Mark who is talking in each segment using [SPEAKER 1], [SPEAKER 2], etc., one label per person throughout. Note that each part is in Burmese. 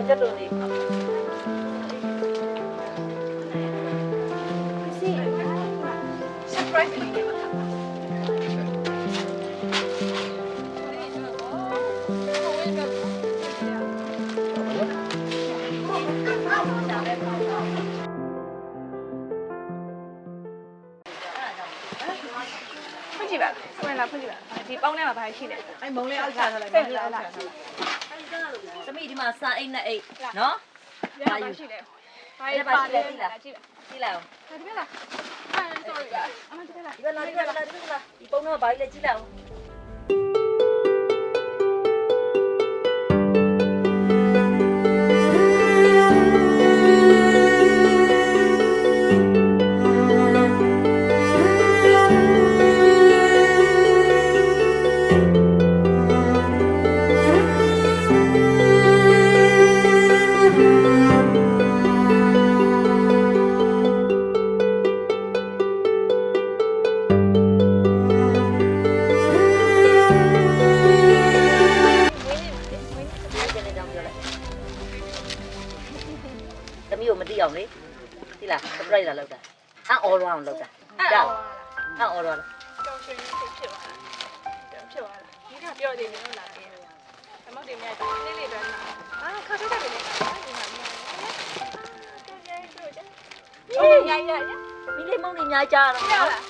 [SPEAKER 1] ချက်လို့နေ
[SPEAKER 2] ဖွင့်ကြည့်ပါဖွင့်လာဖွင့်ကြည့်ပါဒီပေါင်းထဲမှာဘာရှိလဲ
[SPEAKER 1] အဲ့မုံလေးအောက်ချထားလိုက်မုံလေးအောက်ချထားလိုက်သမီးဒီမှာစာအိတ်နဲ့အိတ်နော်
[SPEAKER 2] ဘာရှိလဲဘာပါလဲကြည့်လားကြည့်
[SPEAKER 1] လိုက်အောင်
[SPEAKER 2] ဒီဘက်လား sorry အမဒီဘက်လား
[SPEAKER 1] ဒီဘက်လားဒီဘက်လားဒီပုံတော့ဘာကြီးလဲကြည့်လိုက်အောင်သမီးကိုမသိအောင်လေသိလား surprise လာလောက်တာအော်ရအောင်လောက်တာအော်ရလား
[SPEAKER 2] ကြောင်ရှင်ဖြစ်သွားတာဖြစ်သွားတာဒီကပြောတယ်မျိုးလာတယ်အမောက်တွေများလေးလေးပဲခါထုတ်တယ်လေဒီမှာမြင်ရ
[SPEAKER 1] မိလေးမောင်နေများကြားတော့
[SPEAKER 2] ပြောလား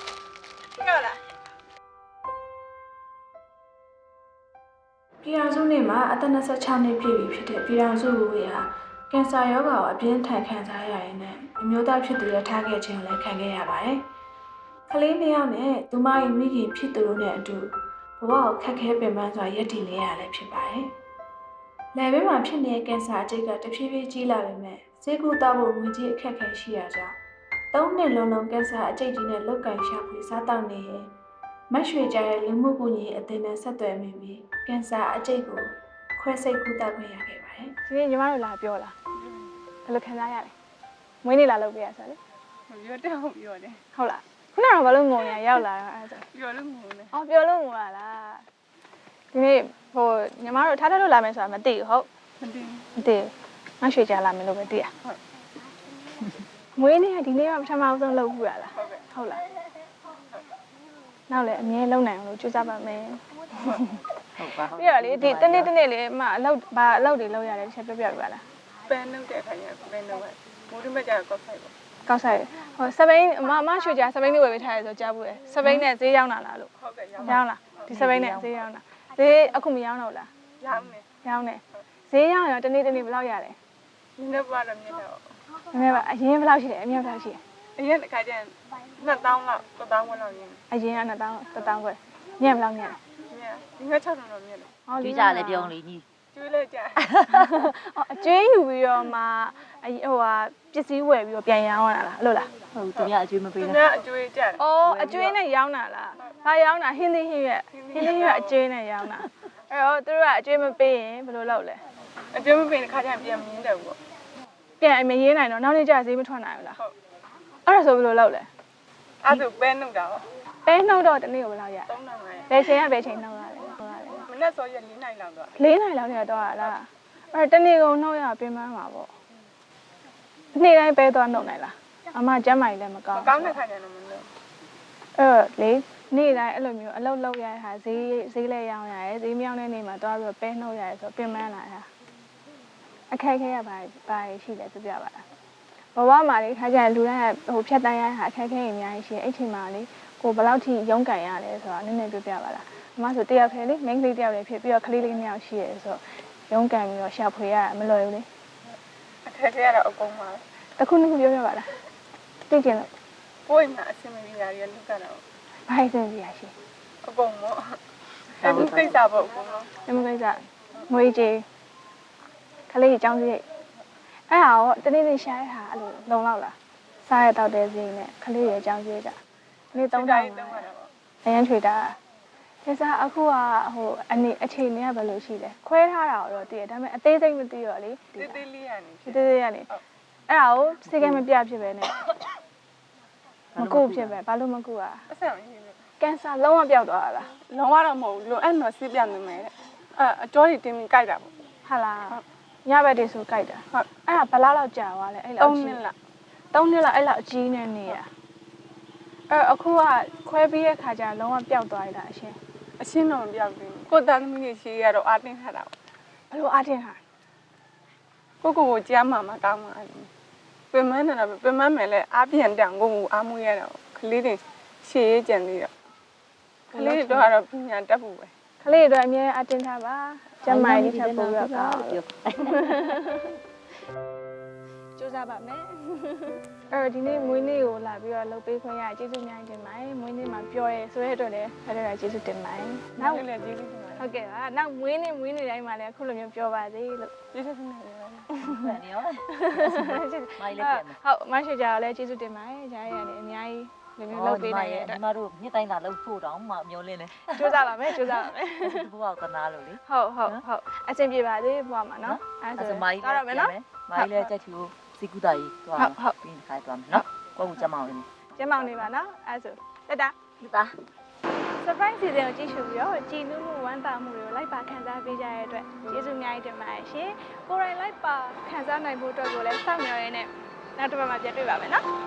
[SPEAKER 3] ပြည်တော်စုနေ့မှာအသက်26နှစ်ပြည့်ပြီဖြစ်တဲ့ပြည်တော်စုလူတွေဟာကင်ဆာရောဂါကိုအပြင်းထန်ခံစားရရင်နဲ့အမျိုးသားဖြစ်သူရထားခဲ့ခြင်းလည်းခံခဲ့ရပါတယ်။ကလေးနှစ်ယောက်နဲ့သူမ၏မိခင်ဖြစ်သူတို့နဲ့အတူဘဝကိုခက်ခဲပင်ပန်းစွာရည်တည်နေရလည်းဖြစ်ပါတယ်။လယ်ဘေးမှာဖြစ်နေတဲ့ကင်ဆာအကျိတ်ကတဖြည်းဖြည်းကြီးလာပေမဲ့ဆေးကုသဖို့ငွေကြေးအခက်အခဲရှိရကြောင်း3နှစ်လုံးကင်ဆာအကျိတ်ကြီးနဲ့လုတ်ကန်ရှာဖွေစားတောက်နေရင်မရွှေကြရဲ့လူမှုကူညီအသင်းနဲ့ဆက်သွယ်မိပြီးကင်ဆာအကျိတ်ကိုခွဲစိတ်ကုသခွင့်ရခဲ့ပါတယ်
[SPEAKER 2] ။ဒီနေ့ညီမတို့လာပြောလားဘယ်လိုခံစားရလဲ။မွေးနေ့လာလုပ်ပေးရဆိုလေ
[SPEAKER 4] ။ပြောတယ်ဟုတ်ပြောတယ်
[SPEAKER 2] ။ဟုတ်လား။ခုနကတော့ဘာလို့ငုံနေရောက်လာတော့အဲ့ဒါ
[SPEAKER 4] ပြောလို့ငုံနေ
[SPEAKER 2] ။အော်ပြောလို့ငုံလာလား။ဒီနေ့ဟိုညီမတို့ထားထားလို့လာမယ်ဆိုတာမသိဘူးဟုတ်
[SPEAKER 4] ။မသိ
[SPEAKER 2] မရွှေကြလာမယ်လို့ပဲသိရ။ဟုတ်။မွေးနေ့ကဒီနေ့ကပထမဆုံးလုပ်ဘူးရလား။ဟုတ်လား။နောက်လည်းအမြဲလုံနိုင်အောင်လို့ကြိုးစားပါမယ်။
[SPEAKER 4] ဟုတ်ပါဟုတ်
[SPEAKER 2] ပြရလေဒီတနေ့လေးအမအလောက်ဘာအလောက်တွေလောက်ရတယ်တစ်ချက်ပြပြပြလား
[SPEAKER 4] ပန်းနှုတ်တဲ့ခါကျပန်းနှုတ်မိုးရမကြကောက်ဆိုင်ပေါ့
[SPEAKER 2] ကောက်ဆိုင်ဟိုစပိန်အမရွှေကြစပိန်လေးဝယ်ပေးထားရဆိုကြားဘူးလေစပိန်နဲ့ဈေးရောက်လာလားလို့
[SPEAKER 4] ဟုတ်ကဲ့
[SPEAKER 2] ရောက်လားဒီစပိန်နဲ့ဈေးရောက်လာဈေးအခုမရောက်တော့လား
[SPEAKER 4] ရောက်နေ
[SPEAKER 2] ဈေးရောက်ရင်တနေ့ဘယ်လောက်ရတယ်
[SPEAKER 4] နည်းနည်းပါတော့မြင်တော့
[SPEAKER 2] နည်းနည်းပါအရင်ဘယ်လောက်ရှိတယ်အမြတ်ဘယ်လောက်ရှိတယ်
[SPEAKER 4] အရင်တစ်ခါကျရင်2000လောက်1000ဝန်းလောက်ရင်း
[SPEAKER 2] အရင်က1000ခွဲညက်ဘယ်လောက်ညက်လဲ
[SPEAKER 4] ဒီက6000တော့မြင်တယ်
[SPEAKER 1] ကျွေးကြလည်းပြောင်းလေညီ
[SPEAKER 4] ကျွေးလဲကြ
[SPEAKER 2] အကျွေးယူပြီးတော့မှဟိုဟာပစ္စည်းဝယ်ပြီးတော့ပြန်ရောင်းရတာလားအဲ့လိုလား
[SPEAKER 1] ဟုတ်သူများအကျွေးမပေး
[SPEAKER 4] ဘူးသူများအကျွေးကြတယ်
[SPEAKER 2] အကျွေးနဲ့ရောင်းတာလားဘာရောင်းတာဟင်းသီးဟင်းရွက်အကျွေးနဲ့ရောင်းတာအဲ့တော့သူတို့ကအကျွေးမပေးရင်ဘယ်လိုလုပ်လဲ
[SPEAKER 4] အကျွေးမပေးရင်ခါကျရင်ပြန်မြင်တယ်ပေါ့
[SPEAKER 2] ပြန်မရင်းနိုင်တော့နောက်နေ့ကျဈေးမထွက်နိုင်ဘူးလားဟုတ်အဲ့ဒါဆိုဘယ်လိုလုပ်လဲ
[SPEAKER 4] အဲ့ဒါပဲနှုတ်တာ
[SPEAKER 2] ပဲနှုတ်တော့တနေ့ကိုဘယ်လောက်ရဘယ်ချိန်ကဘယ်ချိန်နှုတ်ရလဲ
[SPEAKER 4] မနေ့စောရက်4နိုင်လောက်တော့
[SPEAKER 2] 4နိုင်လောက်နေတော့လားအဲ့တနေ့ကုန်နှုတ်ရပင်ပန်းမှာပေါ့နေ့တိုင်းပဲသွားနှုတ်နိုင်လားအမကျမ်းမာကြီးလည်းမကောင်း
[SPEAKER 4] ကောင်းတဲ့ခါကျတော့မနှုတ်
[SPEAKER 2] လေနေ့တိုင်းအဲ့လိုမျိုးအလုပ်လုပ်ရတာဈေးလဲရောင်းရတယ်ဈေးမြောင်းတဲ့နေ့မှာသွားပြီးတော့ပဲနှုတ်ရတယ်ဆိုပင်ပန်းလာတာအခက်ခဲရပါရှိတယ်ပြပြပါလားဘဝမှာလေခါကျရင်လူတိုင်းဟိုဖြတ်တန်းရတာအခက်ခဲအများကြီးရှိတယ်အဲ့ချိန်မှာလေကိုဘယ်လောက်ထိရုန်းကန်ရလဲဆိုတာနည်းနည်းပြပြပါလားအမဆိုတယောက်ထဲလေ main ကလေးတယောက်လည်းဖြစ်ပြီးတော့ကလေးလေး2ယောက်ရှိရဲဆိုတော့ရုန်းကန်ပြီးတော့ရှာဖွေရမလွယ်ဘူးလေ
[SPEAKER 4] အခက်ခဲရတော့အကုန်ပါ
[SPEAKER 2] တခုနှစ်ခုပြောပြပါလားသိကျင်လို့
[SPEAKER 4] ကိုယ်မှာအဆင်မပြေတာတွေလုကတော့
[SPEAKER 2] ဘာအဆင်ပြေရရှိ
[SPEAKER 4] အကုန်ပေါ့အဲ့ဒီကိစ္စပေါ့အကုန်လုံး
[SPEAKER 2] ဒီကိစ္စငွေကြေးကလေးအကြောင်းစရိတ်အဲ့ဟာရောတနေ့နေ့ရှာရတာအဲ့လိုလုံလောက်လားစားရတော့တဲ့ဈေးနဲ့ကလေးရဲ့အကြောင်းစရိတ်ကနေ့3000အရင်ထွေတာဒီစားအခုကဟိုအချိန်တွေကဘယ်လိုရှိလဲခွဲထားတာတော့တည်တယ်ဒါပေမဲ့အသေးစိတ်မသိတော့လေ
[SPEAKER 4] တေးသေးလေးရနေ
[SPEAKER 2] တေးသေးရနေအဲ့ဒါကိုစိတ်ကမပြဖြစ်ပဲနဲ့မကုဖြစ်ပဲဘာလို့မကုอ่ะ
[SPEAKER 4] အဆက်မရှိဘူး
[SPEAKER 2] ကင်ဆာလုံးဝပျောက်သွားတာလား
[SPEAKER 4] လုံးဝတော့မဟုတ်ဘူးလွန်အဲ့တော့ဆေးပြနေမယ်တဲ့အကျော်တွေတင်းပြီးကြိုက်တာပေါ့
[SPEAKER 2] ဟာလားညဘက်တည်းဆိုကြိုက်တာဟုတ်အဲ့ဒါဘယ်လောက်ကြာသွားလဲအဲ့လောက်3နှစ်လောက်အဲ့လောက်အကြီးနဲ့နေရအခုကခွဲပြီးတဲ့ခါကျလုံးဝပျောက်သွားရတာအရှင်း
[SPEAKER 4] တော့မပြောက်ဘူးကိုသားသမီးတွေရှိရတော့အားတင်းထားတာ
[SPEAKER 2] ဘလို့အားတင်ဟာ
[SPEAKER 4] ကိုကြားမှာမကောင်းပါဘူးပင်မနဲ့တော့ပင်မမယ်လဲအားပြန်တန်ကိုအားမွေးရတော့ကလေးတွေရှေ့ရေးကြံသေးတော့ကလေးတွေတော့ပညာတတ်ဖို့ပဲ
[SPEAKER 2] ကလေးတွေအမြဲအတင်ထားပါကျမကြီးချက်ပို့ရကောင်းကြိုးစားပါမယ်အဲ့ဒီနေ့မွေးနေ့ကိုလာပြီးတော့လုပ်ပေးခွင့်ရကျေးဇူးများတင်ပါတယ်မွေးနေ့မှာပြောရဲဆိုတဲ့အတွက်လည်းအဲ့ဒါကျေးဇူးတင်ပါတယ်နောက်
[SPEAKER 4] လည်းကျေးဇူးတင်ပါတယ်
[SPEAKER 2] ဟုတ်ကဲ့ပါနောက်မွေးနေ့တိုင်းမှာလည်းအခုလိုမျိုးပြောပါစေလို့
[SPEAKER 4] ကျေးဇူးတင်ပါတယ်
[SPEAKER 1] နေရောမိုင်းလေးပြန်မယ်
[SPEAKER 2] ဟုတ်မရှိကြတော့လည်းကျေးဇူးတင်ပါတယ်ဂျားရည်လည်းအများကြီးလူမျိုးလုပ်ပေးနိုင်တဲ့အတွက်
[SPEAKER 1] ညီမတို့နှစ်တိုင်းလာလုပ်ဖို့တောင်မှမျောလင်းနေ
[SPEAKER 2] ကြိုးစားပါမယ်
[SPEAKER 1] ဘုရားကနာလို့လေ
[SPEAKER 2] ဟုတ်အဆင်ပြေပါစေဘုရားမှာနော်
[SPEAKER 1] အဲ့ဒါမိုင်းတော့မယ်နော်မိုင်းလေးကြက်ချူစီကူတာကြီးသွားပြီးခိုင်းသွားမယ်နော်ကိုကကျမအောင်နေ
[SPEAKER 2] ပါနော်အဲ့ဆိုတက်တာ surprise season ကိုကြည့်ရှုပြီးတော့ကြည်နူးမှုဝမ်းသာမှုတွေကိုလိုက်ပါခံစားပေးကြရတဲ့အတွက်ကျေးဇူးအများကြီးတင်ပါတယ်ရှင်ကိုယ်တိုင်လိုက်ပါခံစားနိုင်ဖို့အတွက်ကိုလည်းစောင့်မျှော်ရင်းနဲ့နောက်တစ်ပတ်မှာပြန်တွေ့ပါမယ်နော်